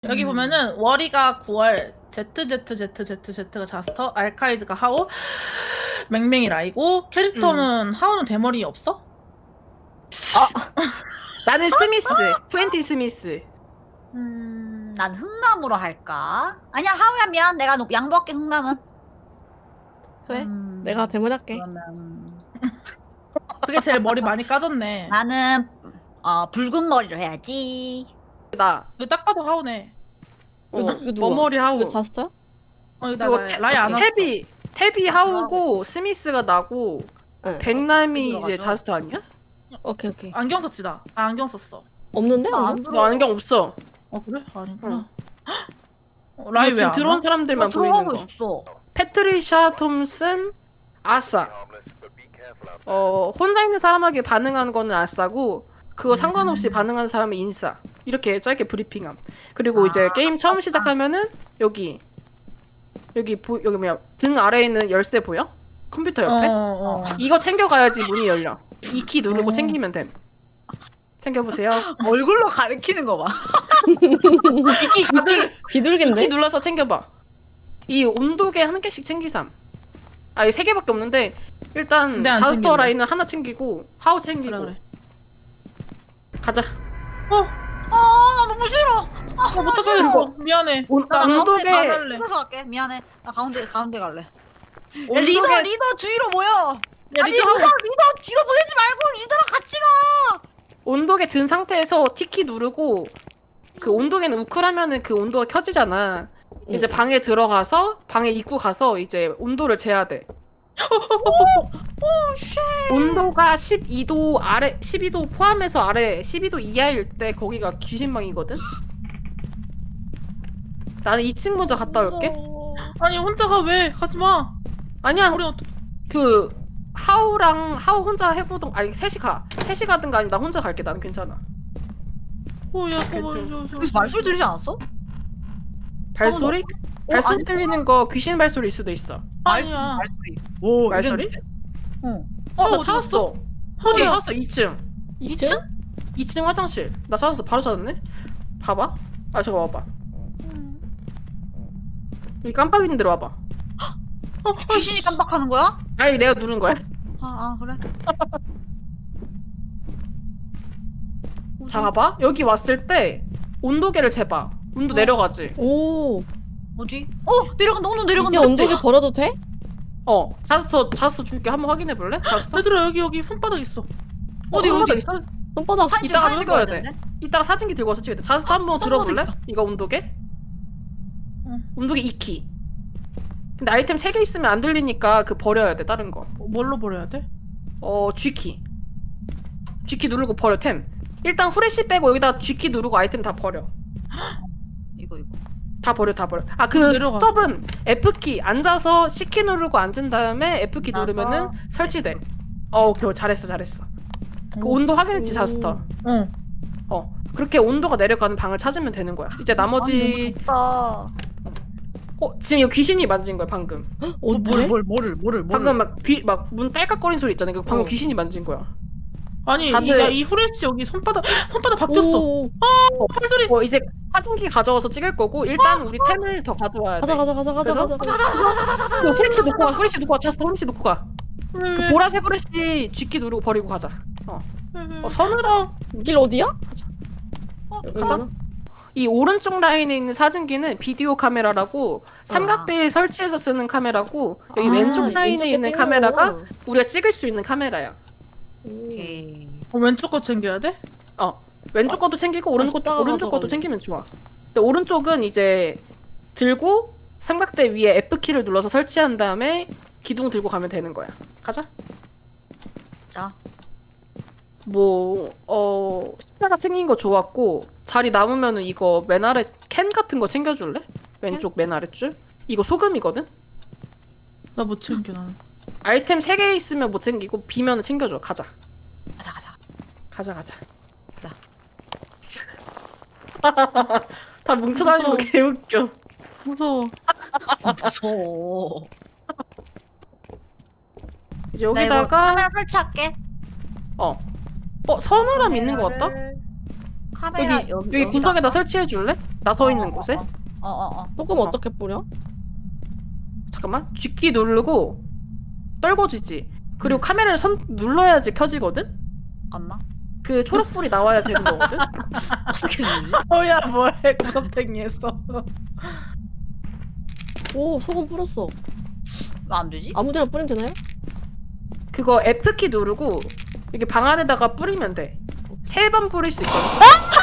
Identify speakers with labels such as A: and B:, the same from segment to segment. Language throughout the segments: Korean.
A: 여기 보면은 워리가 9월, ZZZZZ가 자스터, 알카이드가 하오, 맹맹이 라이고, 캐릭터는 하오는 대머리 없어?
B: 나는 스미스. 푸엔티 스미스.
C: 난 흥남으로 할까? 아니야, 하우야 미안. 내가 양보할게, 흥남은.
D: 그래? 내가 대문 할게.
C: 그러면
A: 그게 제일 머리 많이 까졌네.
C: 나는 붉은 머리로 해야지.
B: 나.
A: 이거 딱 봐도 하오네.
D: 이거 누가?
B: 머머리
D: 이거
B: 하고.
D: 자스터야?
A: 이거 나
B: 이거
A: 라이 안 왔어.
B: 태비 하우고 스미스가 나고
D: 응.
B: 백남이 이제
C: 들어가죠.
B: 자스터 아니야?
D: 오케이 오케이.
A: 안경 썼지 나. 아, 안경 썼어.
D: 없는데?
C: 나
D: 오늘?
C: 안
B: 너 안경 없어.
A: 그래? 아니구나.
B: 응.
A: 라이
B: 지금
A: 왜안
B: 들어온
A: 와?
B: 사람들만 보이는
C: 들어가고
B: 거.
C: 있어.
B: 패트리샤 톰슨, 아싸. 혼자 있는 사람에게 반응하는 거는 아싸고 그거 상관없이 반응하는 사람은 인싸. 이렇게 짧게 브리핑함. 그리고 이제 게임 처음 시작하면은 여기 뭐야 등 아래에 있는 열쇠 보여? 컴퓨터 옆에? 이거 챙겨가야지 문이 열려. 이 키 누르고 챙기면 됨. 챙겨보세요.
C: 얼굴로 가리키는 거 봐.
B: 이키 다들
D: 비둘기인데?
B: 키 눌러서 챙겨봐. 이 온도계 한 개씩 챙기삼. 아, 이 세 개밖에 없는데 일단
A: 근데 안
B: 자스터
A: 챙기네.
B: 라인은 하나 챙기고 하우 챙기고
A: 그래.
B: 가자.
C: 나 너무 싫어.
A: 어떡하겠어. 미안해.
C: 나
B: 온도계
C: 가운데
A: 갈래.
C: 가서 갈게. 미안해. 나 가운데 갈래.
B: 온도계
C: 리더 주위로 모여.
A: 야,
C: 아니
A: 리더 하고.
C: 리더 뒤로 보내지 말고 리더랑 같이 가.
B: 온도계 든 상태에서 T키 누르고 그 온도계는 우클하면은 그 온도가 켜지잖아. 이제 방에 들어가서 방에 입구 가서 이제 온도를 재야 돼. 온도가 12도 아래 12도 포함해서 아래 12도 이하일 때 거기가 귀신방이거든. 나는 2층 먼저 갔다 올게.
A: 아니, 혼자 가, 왜? 가지 마.
B: 아니야.
A: 우리 어떻게.
B: 그 하우 혼자 해보던 아니 셋이 가든가 아니면 나 혼자 갈게. 나는 괜찮아.
A: 야,
C: 여기서 말소리 들리지 않았어?
B: 발소리? 발소리
C: 아니.
B: 들리는 거 귀신 발소리일 수도 있어.
A: 아니야.
C: 말소리. 오,
B: 말소리?
C: 이랬는데? 응.
B: 나
A: 어디
B: 찾았어. 어디
A: 어디야?
B: 찾았어? 2층.
C: 2층?
B: 2층 화장실. 나 찾았어. 바로 찾았네. 봐봐. 아, 저거 봐봐. 여기 깜빡이는 데로 와봐.
C: 귀신이 깜빡하는 거야?
B: 아니, 내가 누른 거야.
C: 그래.
B: 자, 봐봐. 여기 왔을 때 온도계를 재봐. 온도 내려가지.
D: 오.
C: 어디? 내려간다. 오늘
D: 이제
C: 내려간다.
D: 온도계 버려도 돼?
B: 자스터 줄게. 한번 확인해 볼래? 자스터?
A: 얘들아, 여기 손바닥 있어.
B: 어디
C: 어디?
B: 있어?
D: 손바닥.
C: 사진
B: 이따가
C: 사진
B: 찍어야
C: 찍어야
B: 돼.
C: 돼.
B: 이따가 사진기 들고 와서 찍어야 돼. 자스터 한번 들어볼래?
C: 있다.
B: 이거 온도계?
A: 응.
B: 온도계 2키. 근데 아이템 3개 있으면 안 들리니까 그 버려야 돼. 다른 거.
A: 뭘로 버려야 돼?
B: G키. G키 누르고 버려, 템. 일단 후레쉬 빼고 여기다 G키 누르고 아이템 다 버려.
C: 이거.
B: 다 버려. 아, 그
A: 내려가.
B: 스톱은 F키. 앉아서 C키 누르고 앉은 다음에 F키
C: 나서
B: 누르면은 설치돼. 오케이. 잘했어. 그 온도 확인했지, 자스터.
A: 응.
B: 그렇게 온도가 내려가는 방을 찾으면 되는 거야. 이제 나머지
C: 아,
B: 지금 이거 귀신이 만진 거야, 방금.
D: 어때?
C: 뭐를
B: 방금 막 문 딸깍거리는 소리 있잖아. 그 방금 귀신이 만진 거야.
A: 아니,
B: 다들-
A: 이 후레쉬 여기 손바닥 바뀌었어.
D: 오.
A: 팔소리.
B: 이제 사진기 가져와서 찍을 거고 일단 우리 템을 더 가져와야 돼.
D: 가자.
B: 후레쉬 놓고 가. 자스터 후레쉬 놓고 가.
A: 왜,
B: 그
A: 왜?
B: 보라색 후레쉬 G키 누르고 버리고 가자.
A: 왜?
B: 서늘아.
D: 길 어디야?
B: 가자. 이 오른쪽 라인에 있는 사진기는 비디오 카메라라고 삼각대에 설치해서 쓰는 카메라고 여기 왼쪽 라인에
D: 왼쪽에
B: 있는
D: 찍는
B: 카메라가
D: 거구나.
B: 우리가 찍을 수 있는 카메라야.
C: 오케이.
A: 왼쪽 거 챙겨야 돼?
B: 왼쪽 것도 챙기고 오른쪽
D: 이따가
B: 것도
D: 가져갈래.
B: 챙기면 좋아. 근데 오른쪽은 이제 들고 삼각대 위에 F키를 눌러서 설치한 다음에 기둥 들고 가면 되는 거야. 가자.
C: 자.
B: 십자가 생긴 거 좋았고 자리 남으면은 이거 맨 아래 캔 같은 거 챙겨줄래? 왼쪽 맨 아래줄? 이거 소금이거든?
A: 나 못 챙겨, 나는.
B: 아이템 3개 있으면 못 챙기고 비면은 챙겨줘. 가자.
C: 가자.
B: 다 뭉쳐다니는 거
A: 무서워.
B: 개웃겨.
A: 무서워.
C: 무서워.
B: 이제
C: 나 이거
B: 여기다가
C: 카메라 설치할게.
B: 서늘함 있는 거 같다?
C: 카메라
B: 여기 구석에다 설치해 줄래? 나 서 있는 곳에.
D: 소금
C: 어.
D: 어떻게 뿌려?
B: 잠깐만. G키 누르고 떨궈지지. 그리고 카메라를 눌러야지 켜지거든.
C: 잠깐만.
B: 그 초록불이 나와야 되는 거거든.
C: 어떻게 누르지?
A: 뭐야 뭐해 구석탱이 했어.
D: 오 소금 뿌렸어.
C: 왜 안 되지?
D: 아무데나 뿌리면 되나요?
B: 그거 F키 누르고 여기 방 안에다가 뿌리면 돼. 3번 뿌릴 수 있거든.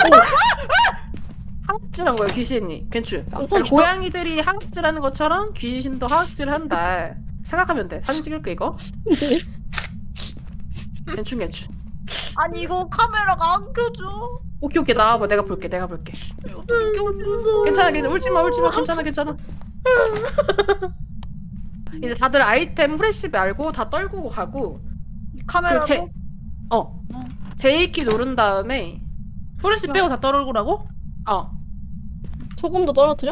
B: 하악질한 거야 귀신이. 괜찮.
D: 깜짝이야.
B: 고양이들이 하악질하는 것처럼 귀신도 하악질한다. 생각하면 돼. 사진 찍을게 이거. 괜찮.
C: 아니 이거 카메라가 안 켜져.
B: 오케이 나와봐. 내가 볼게.
C: 어떻게 켜져?
B: 괜찮아. 울지마. 괜찮아. 이제 다들 아이템 프레시비 알고 다 떨구고 가고.
C: 카메라도.
B: J키 누른 다음에
A: 프레시 빼고 다 떨어오라고?
D: 소금도 떨어뜨려?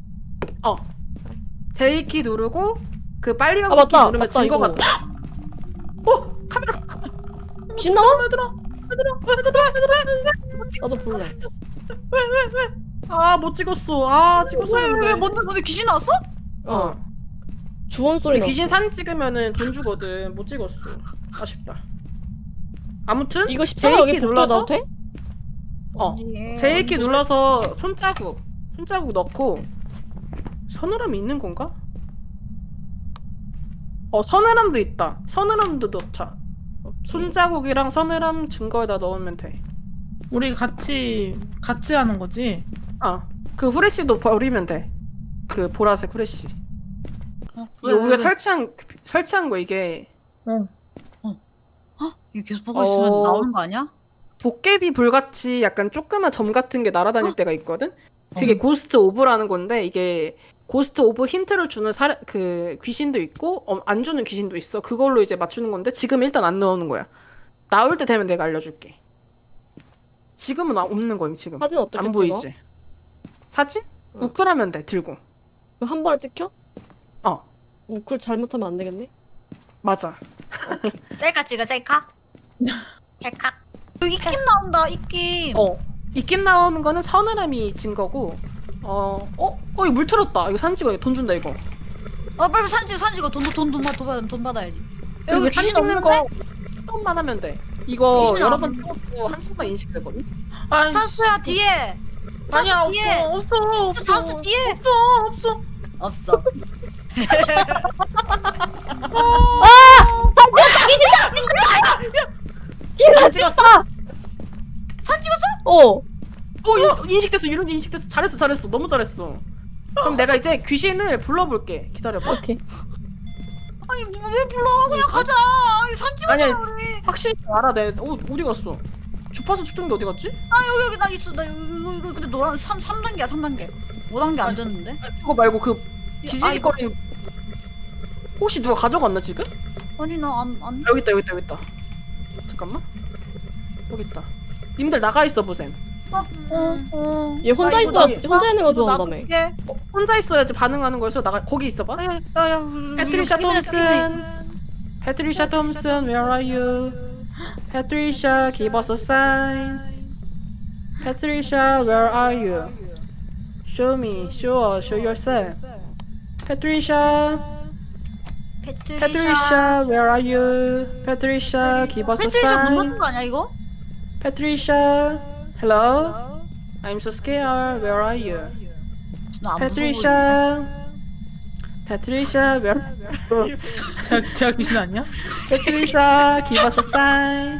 B: J키 누르고 그 빨리 가고
D: 맞다,
B: 누르면
D: 맞다,
B: 진거
D: 이거.
B: 같다. 카메라.
D: 귀신 나와?
A: 얘들아.
D: 나도 볼래.
B: 못 찍었어. 찍었었는데.
C: 뭔데 귀신 나왔어?
D: 주원 소리 나.
B: 귀신 사진 찍으면은 돈 주거든. 못 찍었어. 아쉽다. 아무튼
D: 이거 십자가 여기
B: J키
D: 복도
B: 눌러서
D: 넣어도 돼?
B: J키 눌러서 손자국 넣고 서늘함이 있는 건가? 서늘함도 있다. 서늘함도 넣자. 손자국이랑 서늘함 증거에다 넣으면 돼.
A: 우리 같이 하는 거지.
B: 그 후레쉬도 버리면 돼. 그 보라색 후레쉬. 이게 우리가 설치한 거 이게
C: 이거 계속 보고 있으면 나오는 거 아니야?
B: 도깨비 불같이 약간 조그만 점 같은 게 날아다닐 때가 있거든? 그게 고스트 오브라는 건데 이게 고스트 오브 힌트를 주는 그 귀신도 있고 안 주는 귀신도 있어. 그걸로 이제 맞추는 건데 지금 일단 안 나오는 거야. 나올 때 되면 내가 알려줄게. 지금은 없는 거임 지금.
D: 사진 어떻게
B: 안
D: 찍어?
B: 보이지? 사진?
D: 응.
B: 우클하면 돼 들고.
D: 그럼 한 번에 찍혀?
B: 어.
D: 그걸 잘못하면 안 되겠네.
B: 맞아.
C: 셀카 찍어 셀카? 셀카. 여기 입김 나온다 입김.
B: 입김 나오는 거는 서늘함이 증거고. 이거 물 틀었다. 이거 사진 찍어야 돈 준다 이거.
C: 빨리 사진 찍어 돈 받아야지.
B: 여기
C: 여기
B: 사진
C: 귀신
B: 찍는
C: 없는데?
B: 거 조금만 하면 돼. 이거
C: 귀신
B: 여러
C: 안
B: 번 찍고 한쪽만 인식되거든.
A: 아니
C: 찬스야 뒤에.
A: 아니야
C: 뒤에.
A: 없어.
C: 찬스 뒤에.
A: 없어.
C: 없어.
B: 사진 찍었어.
C: 사진 찍었어?
B: 인식됐어. 이런 인식됐어. 잘했어. 너무 잘했어. 그럼 내가 이제 귀신을 불러볼게. 기다려봐.
D: 오케이.
C: 아니 왜 불러? 그냥 가자. 사진 찍었잖아
B: 아니야,
C: 우리.
B: 확실히 알아. 어디 갔어? 주파수 측정기 어디 갔지?
C: 여기 나 있어. 나 이거 근데 노란 3단계야 3단계. 5단계 안 됐는데?
B: 그거 말고 그 지지직거리는 혹시 누가 가져갔나 지금?
C: 아니 나 안.
B: 여기 있다. 잠깐만. 여기 있다. 님들 나가 있어 보셈.
D: 얘 혼자
C: 아,
D: 있어.
C: 이거
D: 혼자 있는 거 좋아한다며.
C: 놔둘게.
B: 혼자 있어야지 반응하는 거여서 거기 있어봐.
C: 야야.
B: 패트리샤 톰슨. Patricia Thompson, where are you? Patricia, give us a sign. Patricia, where are you? Show me, show yourself. Patricia, Patricia, where are you? Patricia, give us a
C: 패트리샤 문
B: sign.
C: 닫는 거 아니야 이거?
B: Patricia, hello? I'm so scared, where are you?
C: 나안
B: Patricia, where?
A: 제가 귀신 아니야?
B: Patricia, give us a sign.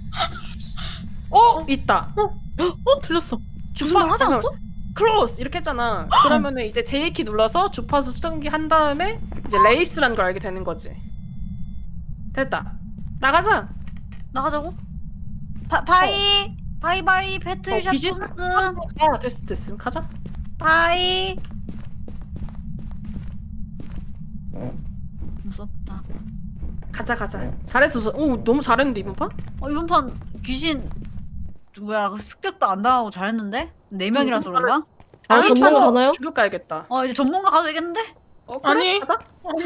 B: 있다.
A: 틀렸어.
C: 무서워. 하지 않았어?
B: close 이렇게 했잖아. 그러면은 이제 J키 눌러서 주파수 수정기 한 다음에 이제 레이스란 걸 알게 되는 거지. 됐다. 나가자.
C: 나가자고? 바이 패트리샤
B: 귀신?
C: 톰슨
B: 됐음. 가자.
C: 바이. 무섭다.
B: 가자. 잘했어. 너무 잘했는데 이번 판?
C: 이번 판 귀신 뭐야 그 습격도 안 당하고 잘했는데? 4명이라서 그런가?
D: 전문가 가나요?
B: 죽여 가야겠다.
C: 이제 전문가 가도 되겠는데?
B: 그래?
A: 아니.
B: 가자.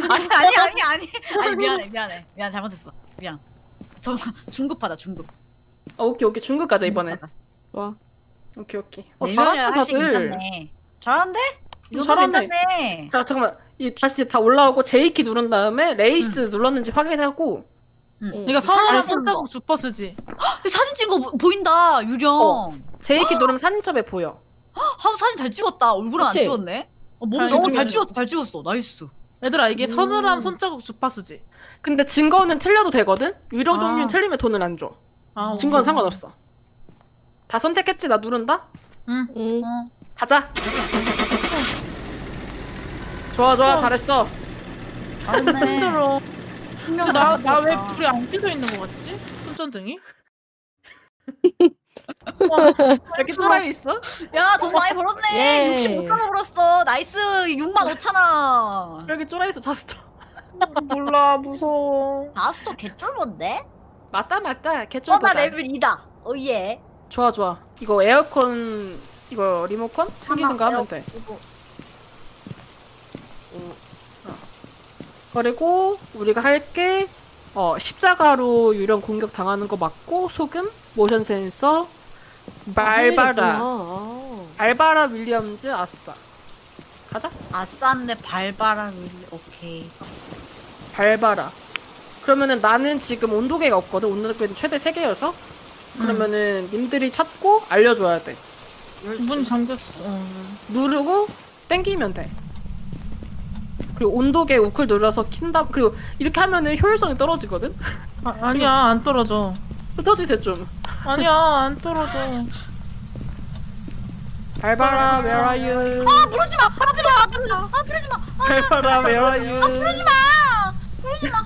C: 아니 미안해 잘못했어 미안. 중급하다 중급.
B: 오케이 중급 가자 이번엔.
D: 와.
B: 오케이.
C: 네 명이라 할수
B: 다들.
C: 괜찮네. 잘한데? 이 정도
B: 잘하네.
C: 괜찮네.
B: 자, 잠깐만. 이 다시 다 올라오고 J키 누른 다음에 레이스 눌렀는지 확인하고.
A: 이거 서늘한
C: 잘
A: 손자국 주퍼스지.
C: 사진 찍은 거 보인다 유령.
B: J키 누르면 사진첩에 보여.
C: 하우 사진 잘 찍었다. 얼굴은 안
D: 그치?
C: 찍었네. 몸
A: 잘
C: 너무 잘
A: 찍었어.
C: 찍었어. 잘 찍었어. 나이스.
A: 얘들아 이게 서늘한 손자국 주파수지.
B: 근데 증거는 틀려도 되거든? 유령
A: 아.
B: 종류는 틀리면 돈을 안 줘.
A: 아,
B: 증거는 상관없어. 다 선택했지? 나 누른다?
A: 응.
D: 응.
B: 가자. 좋아, 잘했어.
C: 잘했네.
A: 힘들어.
C: 분명
A: 나 왜 불이 안 켜져 있는 거 같지? 손전등이? 와,
B: 이렇게 쪼라이 있어?
C: 야, 돈 많이 벌었네.
D: 예.
C: 65만 원 벌었어. 나이스. 6만 5천 원.
B: 이렇게 쪼라이 있어, 자스터.
A: 몰라 무서워.
C: 다스토 개쫄본데?
B: 맞다. 개쩔
C: 오빠
B: 보자.
C: 레벨 2다. 오예.
B: 좋아. 이거 에어컨, 이거 리모컨? 챙기는 거 하면 돼.
C: 이거.
B: 그리고 우리가 할게 십자가로 유령 공격 당하는 거 맞고 소금, 모션 센서, 발바라,
D: 아.
B: 발바라 윌리엄즈 아싸. 가자.
C: 아싼데 발바람 오케이.
B: 발바라. 그러면은 나는 지금 온도계가 없거든. 온도계는 최대 3개여서. 그러면은 님들이 찾고 알려줘야 돼.
A: 문 잠겼어.
B: 누르고 땡기면 돼. 그리고 온도계 우클 눌러서 킨다. 그리고 이렇게 하면은 효율성이 떨어지거든.
A: 아니야 안 떨어져.
B: 흩어지세요 좀.
A: 아니야 안 떨어져.
B: 발바라 where are you?
C: 아, 부르지 마. 부르지 마. 부르지 마.
B: 발바라 where are you?
C: 부르지 마. 부르지 마.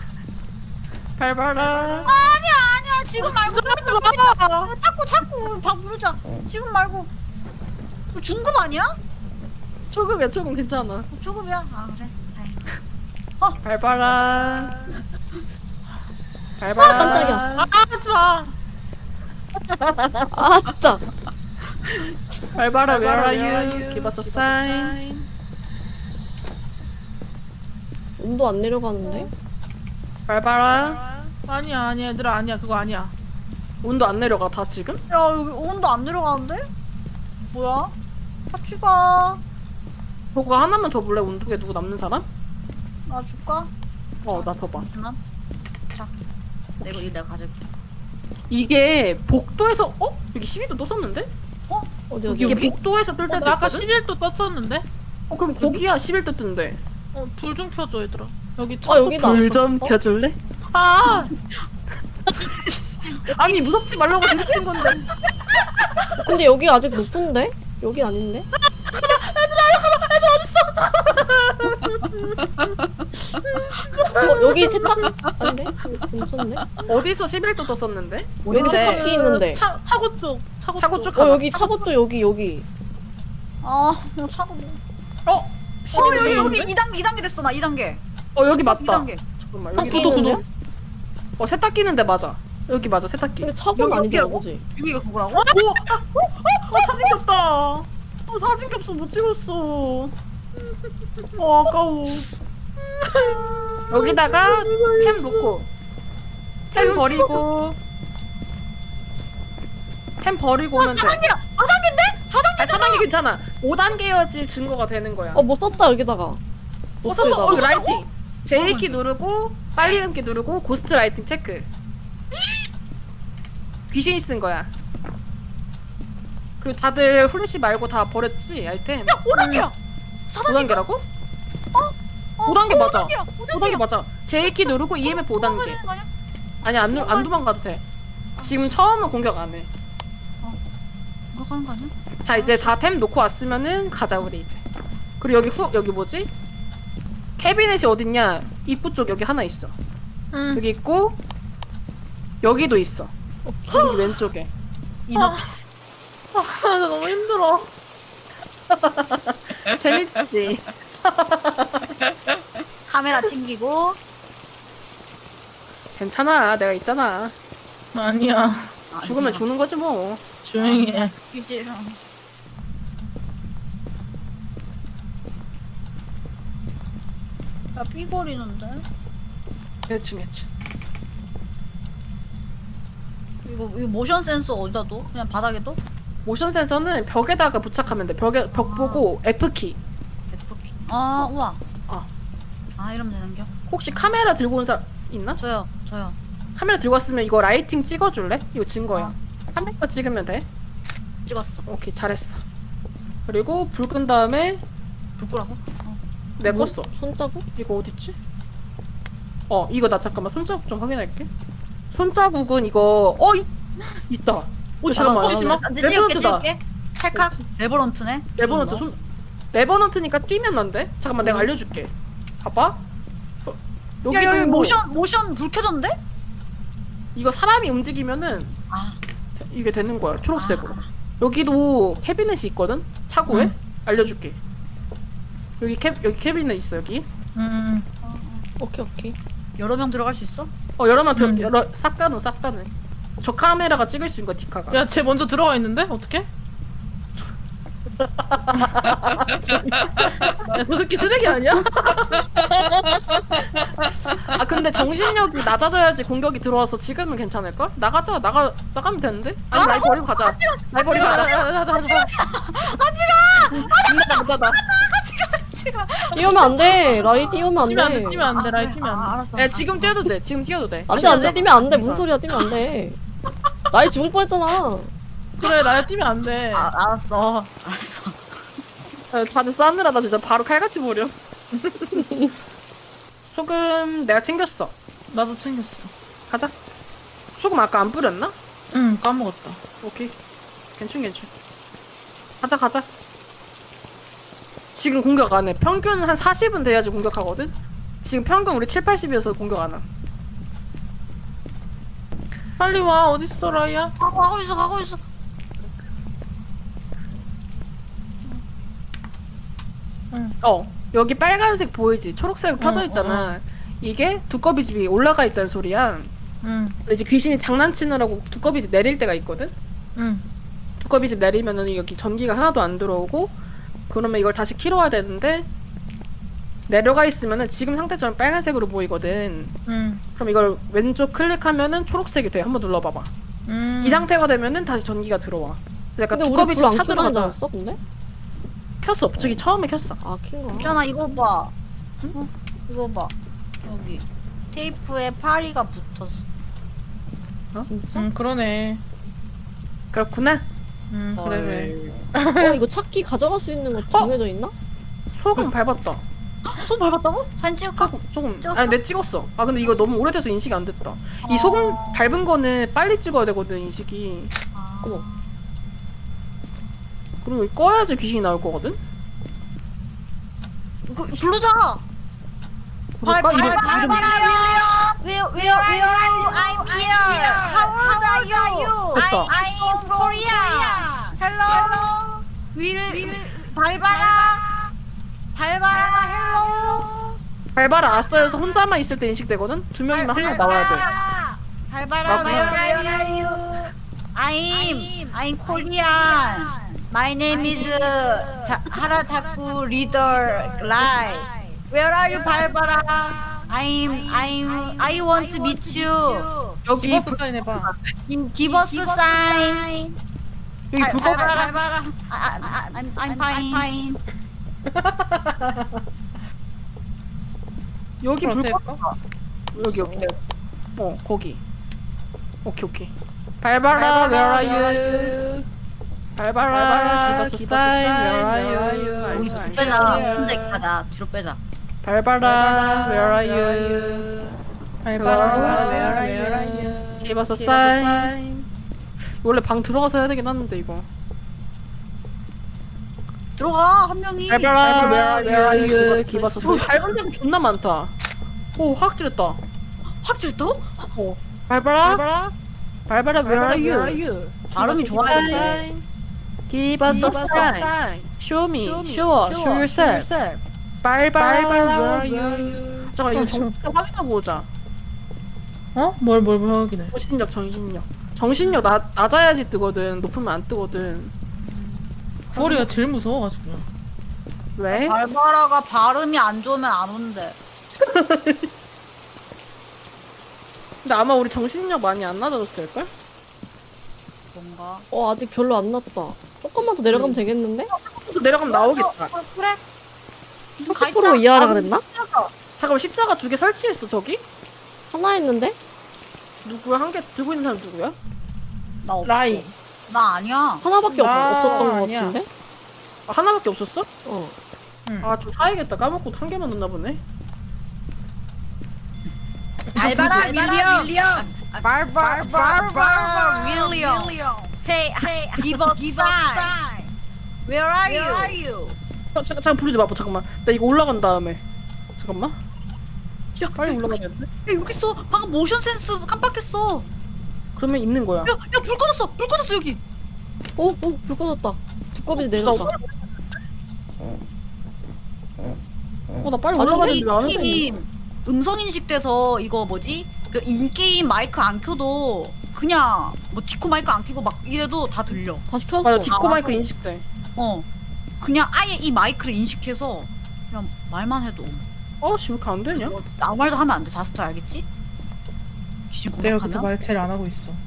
B: 발바라.
C: 아니야. 지금 말고.
A: 마.
C: 자꾸 밥 부르자. 지금 말고. 이거 중급 아니야?
B: 초급이야 초급 괜찮아.
C: 조급이야. 아, 그래. 다행이다.
B: 발바라. 발바라.
D: 깜짝이야.
A: 아 하지 마.
D: 아 진짜.
B: 발바라 where are you? Give us a sign.
D: 온도 안 내려가는데?
B: 발바라.
A: 아니야 얘들아 아니야 그거 아니야.
B: 온도 안 내려가 다 지금?
C: 야, 여기 온도 안 내려가는데? 뭐야? 같이 가.
B: 저거 하나만 더 볼래? 온도계 누구 남는 사람?
C: 나 줄까?
B: 나 더 봐.
C: 잠시만. 자. 이거 내가 가져올게.
B: 이게 복도에서 여기 12도 또 썼는데?
D: 어디
B: 이게
D: 어디?
B: 복도에서 뜰 때도
A: 나 아까
B: 있거든?
A: 11도 떴었는데.
B: 그럼 거기야 11도 뜬대.
A: 불 좀 켜줘 얘들아. 여기
D: 여기다.
B: 불 좀 켜줄래?
A: 아
B: 아니 무섭지 말라고 부딪힌 건데.
D: 근데 여기 아직 높은데? 여기 아닌데? 여기 세탁 아닌데? 괜찮네.
B: 어디서 11도 떴었는데?
D: 여기 세탁기 있는데.
A: 차고 쪽
B: 차고 쪽
D: 어
B: 가봐.
D: 여기 차고 쪽 여기.
C: 아, 뭐 차가 뭐. 여기 2단계 됐어. 나 2단계.
B: 여기 맞다.
C: 2단계.
B: 잠깐만
D: 세탁기
B: 여기
D: 있는데?
B: 세탁 끼는데 맞아. 여기 맞아 세탁기.
D: 근데 차고는
C: 여기
D: 아니잖아,
C: 여기라고?
D: 그지?
C: 여기가 그거라고?
B: 사진 겹다. 사진 겹서 못 찍었어. 아까워. 여기다가 템 놓고 템 버리고 오면 돼.
C: 4단계야. 4단계인데? 4단계.
B: 아니 4단계 괜찮아. 5단계여야지 증거가 되는 거야.
D: 뭐 썼다 여기다가.
B: 썼어. 라이팅. J키 누르고 빨리 감기 누르고 고스트 라이팅 체크. 귀신이 쓴 거야. 그리고 다들 후레쉬 말고 다 버렸지 아이템.
C: 5단계야.
B: 5단계라고? 5단계 맞아. 5단계
C: 5단계
B: 맞아. J키 누르고 EMF 5단계.
C: 되는 거 아니야?
B: 아니 안 도망가도 돼. 지금 처음은 공격 안 해.
C: 그거 가는 거 아니야?
B: 자 이제 다 템 놓고 왔으면은 가자 우리 이제. 그리고 여기 뭐지? 캐비넷이 어딨냐? 입구 쪽 여기 하나 있어.
A: 응.
B: 여기 있고 여기도 있어. 여기 왼쪽에.
C: 이너피스.
A: 나 너무 힘들어.
B: 재밌지?
C: 카메라 챙기고.
B: 괜찮아. 내가 있잖아.
A: 아니야.
B: 죽으면 죽는 거지 뭐.
A: 조용히 해.
C: 이제 야, 삐거리는데?
B: 대충.
C: 이거 모션 센서 어디다 둬? 그냥 바닥에 둬?
B: 모션 센서는 벽에다가 부착하면 돼. 벽 보고 F키.
C: F키. 아 우와.
B: 아.
C: 아 이러면 되는겨?
B: 혹시 카메라 들고 온 사람 있나?
C: 저요.
B: 카메라 들고 왔으면 이거 라이팅 찍어줄래? 이거 증거야. 한 명만 찍으면 돼.
C: 찍었어.
B: 오케이, 잘했어. 그리고 불 끈 다음에
C: 불 끄라고?
B: 내
D: 뭐?
B: 껐어.
D: 손자국?
B: 이거 어딨지? 이거 나 잠깐만 손자국 좀 확인할게. 손자국은 이거 있다. 잠깐만.
A: 잠깐만.
C: 안돼
B: 레버넌트다.
C: 찍을게. 찰칵. 레버넌트네.
B: 레버넌트 레버넌트니까 뛰면 안 돼? 잠깐만 내가 알려줄게. 봐봐.
C: 야 여기
B: 보고
C: 모션 불 켜졌는데?
B: 이거 사람이 움직이면은
C: 아.
B: 이게 되는 거야. 초록색으로. 여기도 캐비넷이 있거든. 차고에 알려줄게. 여기 캐비넷 있어 여기.
D: 오케이.
C: 여러 명 들어갈 수 있어?
B: 여러만 싹 가는. 저 카메라가 찍을 수 있는 거야 디카가.
A: 야, 쟤 먼저 들어가 있는데? 어떡해? 야, 저 새끼 쓰레기 아니야?
B: 아 근데 정신력이 낮아져야지 공격이 들어와서 지금은 괜찮을걸? 나가면 되는데? 아니 라이 버리고 가자. 라이 버리고 가자. 가자.
D: 뛰면 안 돼. 라이 뛰면 안
A: 뛰면 안
D: 돼.
A: 돼, 뛰면 안 돼, 라이 뛰면 안 돼.
C: 알았어.
B: 야 지금 뛰어도 돼. 지금 뛰어도 돼.
D: 안 돼. 뛰면 안 돼. 무슨 소리야? 뛰면 안 돼. 라이 죽을 뻔했잖아.
A: 그래, 라이 뛰면 안 돼.
C: 알았어.
B: 다들 싸느라 나 진짜 바로 칼같이 버려. 소금 내가 챙겼어.
A: 나도 챙겼어.
B: 가자. 소금 아까 안 뿌렸나?
A: 응, 까먹었다.
B: 오케이. 괜춘. 가자. 지금 공격 안 해. 평균 한 40은 돼야지 공격하거든? 지금 평균 우리 7, 80이어서 공격 안 해.
A: 빨리 와, 어딨어, 라이야?
C: 가고 있어.
B: 여기 빨간색 보이지? 초록색 펴져 있잖아. 이게 두꺼비집이 올라가 있다는 소리야.
A: 응,
B: 근데 이제 귀신이 장난치느라고 두꺼비집 내릴 때가 있거든?
A: 응.
B: 두꺼비집 내리면은 여기 전기가 하나도 안 들어오고 그러면 이걸 다시 키러 와야 되는데 내려가 있으면은 지금 상태처럼 빨간색으로 보이거든.
A: 응.
B: 그럼 이걸 왼쪽 클릭하면은 초록색이 돼. 한번 눌러봐봐. 이 상태가 되면은 다시 전기가 들어와. 약간
D: 근데 우리
B: 두꺼비집
D: 불안
B: 찾으러
D: 켜다니지
B: 가자.
D: 않았어? 근데?
B: 켰어. 저기 처음에 켰어.
D: 아, 킨 거야.
C: 현아 이거 봐.
B: 응?
C: 이거 봐. 여기 테이프에 파리가 붙었어.
D: 진짜?
A: 응, 그러네.
B: 그렇구나.
A: 응, 그래.
D: 이거 찾기 가져갈 수 있는 거 정해져 있나?
B: 소금 밟았다.
C: 손 밟았다고? 사진 찍을까?
B: 소금.
C: 찍었어?
B: 아니, 내 찍었어. 아, 근데 이거 너무 오래돼서 인식이 안 됐다. 이 소금 밟은 거는 빨리 찍어야 되거든, 인식이.
D: 어머.
B: 그리고 이거 꺼야지 귀신이 나올 거거든?
C: 이거 부르자.
B: 그럴까? 이름.
C: Where are you? I'm here. How old are you?
B: 됐다.
C: I'm from Korea. Hello. 밟아라. Hello.
B: 밟아라 아싸여서 혼자만 있을 때 인식되거든? 두 명이면 한 명 나와야 돼.
C: 밟아라. Where are you? I'm Korean. My name is 하라자쿠 리더 라이. Where are you? 밟아라. I want to meet you.
B: 여기
A: 기버스 사인 해봐.
C: Give us a sign.
B: 여기 불법
C: 밟아라. I'm fine.
B: 여기
A: 어때?
B: 불법 여기 거기. 오케이. 밟아라 where are you? 밟아라 give us a sign where are you?
C: 우리 뒤로 빼자. 혼자 있다가 뒤로 빼자.
B: 밟아라 where are you?
A: 밟아라, where are you?
B: give us a sign. 원래 방 들어가서 해야 되긴 하는데 이거.
C: 들어가 한 명이.
B: 밟아라 where are you? give us a sign. 밟은 데가 존나 많다. 오 확 찔렀다.
C: 확 찔렀다고?
B: 밟아라 where are you?
C: 발음이 좋아요.
B: Give us a sign. Show me. Show yourself. 밟아라 where are you? 잠깐 이거 정신 확인하고 오자.
A: 어? 뭘 확인해?
B: 정신력 낮아야지 뜨거든. 높으면 안 뜨거든.
A: 9월이가 제일 무서워가지고.
B: 왜?
C: 발바라가 발음이 안 좋으면 안 온대.
B: 근데 아마 우리 정신력 많이 안 낮아졌을걸?
C: 뭔가.
D: 아직 별로 안 났다. 조금만 더 내려가면 되겠는데?
B: 또 내려가면 나오겠다.
C: 그래.
D: 40% 이하라가 됐나?
B: 잠깐만 십자가 2개 설치했어 저기?
D: 하나 했는데?
B: 누구야? 한 개 들고 있는 사람 누구야?
C: 나 없어.
A: 라이.
C: 나 아니야.
D: 하나밖에 없었던 것
A: 아니야.
D: 같은데?
B: 아, 하나밖에 없었어?
D: 어.
A: 응.
B: 아 좀 사야겠다. 까먹고 한 개만 넣나 보네.
C: 발바라 윌리엄. 발바라 윌리엄. Hey, give up sign. Where are you?
B: 잠깐 부르지 마. 잠깐만. 나 이거 올라간 다음에. 잠깐만.
C: 야,
B: 빨리 올라가야 돼.
C: 야, 여기 있어. 방금 모션 센스 깜빡했어.
B: 그러면 있는 거야.
C: 야, 불 꺼졌어. 불 꺼졌어 여기.
D: 불 꺼졌다. 두꺼비 내렸다.
B: 나 빨리 올라가는데 왜안 오는
C: 게임 음성 인식돼서 이거 뭐지? 그 인게임 마이크 안 켜도 그냥 뭐 디코 마이크 안 켜고 막 이래도 다 들려.
D: 다시 켰어.
B: 맞아, 디코
C: 다
B: 마이크
C: 와서.
B: 인식돼.
C: 그냥 아예 이 마이크를 인식해서 그냥 말만 해도
B: 씨, 왜 이렇게 안 되냐?
C: 아무 말도 하면 안 돼. 자스터 알겠지? 귀신
A: 내가 그때
C: 공격하면
A: 말 제일 안 하고 있어.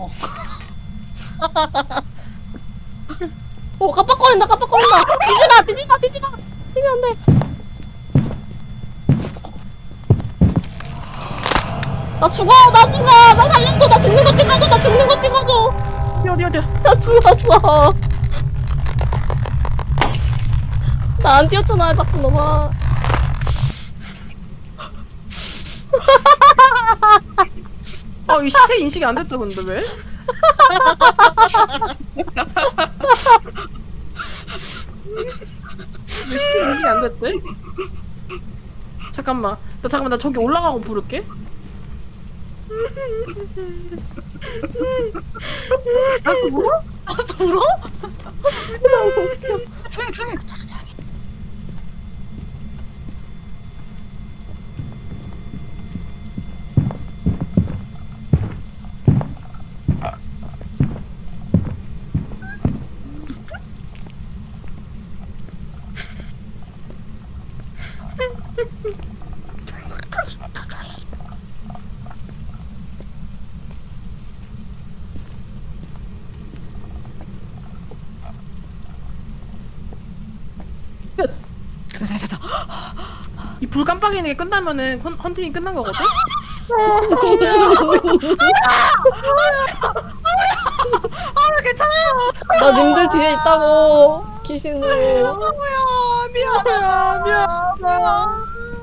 D: 깜빡거린다. 뛰지 마. 뛰면 안 돼. 나 죽어. 나 살려줘. 나 죽는 거 찍어줘.
B: 어디야?
D: 나 죽었어. 나 안 뛰었잖아. 자꾸 너만.
B: 이 시체 인식이 안 됐다 근데 왜? 왜 시체 인식이 안 됐대? 잠깐만 나 저기 올라가고 부를게.
C: 또 울어? 조용히. 자스 조용히. 됐다.
B: 이 불 깜빡이는 게 끝나면은 헌팅이 끝난 거거든?
C: 괜찮아요.
D: 나 님들 뒤에 있다고. 귀신으로.
C: 미안하다.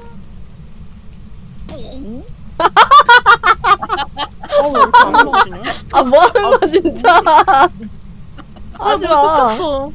B: 왜 이렇게 안 올라가지냐?
D: 뭐 하는 거야 진짜. 하지 마.
A: 어?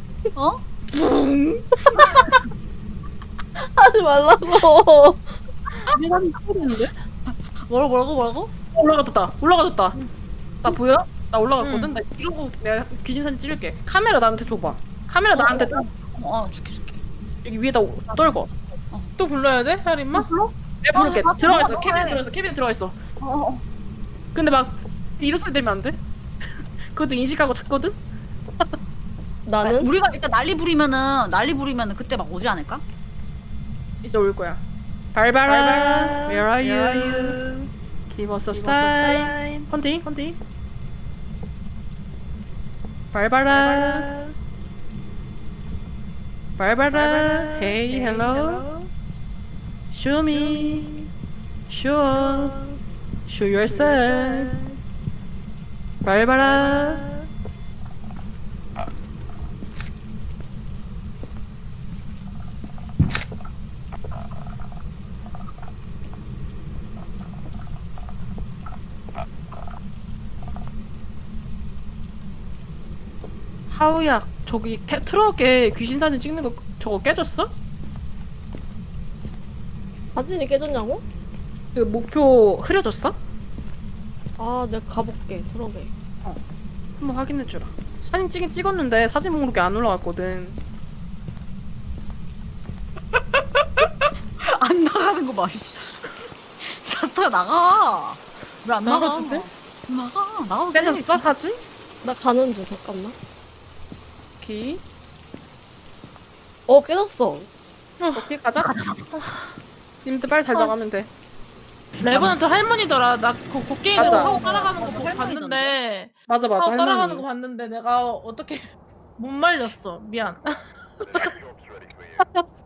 D: 하지 말라고.
B: 계산이 틀리는데?
C: 뭐라고?
B: 올라가졌다. 나 보여? 나 올라갔거든? 나 이러고 내가 귀신 사진 찍을게. 카메라 나한테 줘봐. 카메라 나한테 줘.
C: 줄게.
B: 여기 위에다 떨궈.
A: 또 불러야 돼? 혜림마?
B: 내가 부를게.
C: 아,
B: 들어가 있어.
C: 아,
B: 캐비넷 들어가 있어. 근데 막 이런 소리 내면 안 돼? 그것도 인식하고 잤거든?
D: 나는
C: 우리가 일단 난리 부리면은 그때 막 오지 않을까?
B: 이제 올 거야. 발바라, where are you? Give us a sign. 헌팅. 발바라, hey, hello. Show me, show yourself. 발바라. 하우야, 저기 트럭에 귀신 사진 찍는 거 저거 깨졌어?
D: 사진이 깨졌냐고?
B: 그 목표 흐려졌어?
D: 내가 가볼게. 들어게.
B: 한번 확인해주라. 사진 찍긴 찍었는데 사진 목록에 안 올라갔거든.
C: 안 나가는 거 봐. 자스터야 나가. 왜 안 나가?
A: 나가도 돼?
C: 나가도
B: 깨졌어 사진?
D: 나 가는 중. 잠깐만.
B: 오케이.
D: 깨졌어.
B: 오케이 가자. 님들 빨리 달려가면 돼.
A: 레버넌트 할머니더라. 나 그 곡괭이로
B: 맞아.
A: 하고 따라가는 거 보고
C: 할머니던데?
A: 봤는데
B: 맞아 맞아
A: 하고 따라가는 거
B: 할머니.
A: 봤는데 내가 어떻게 못 말렸어. 미안.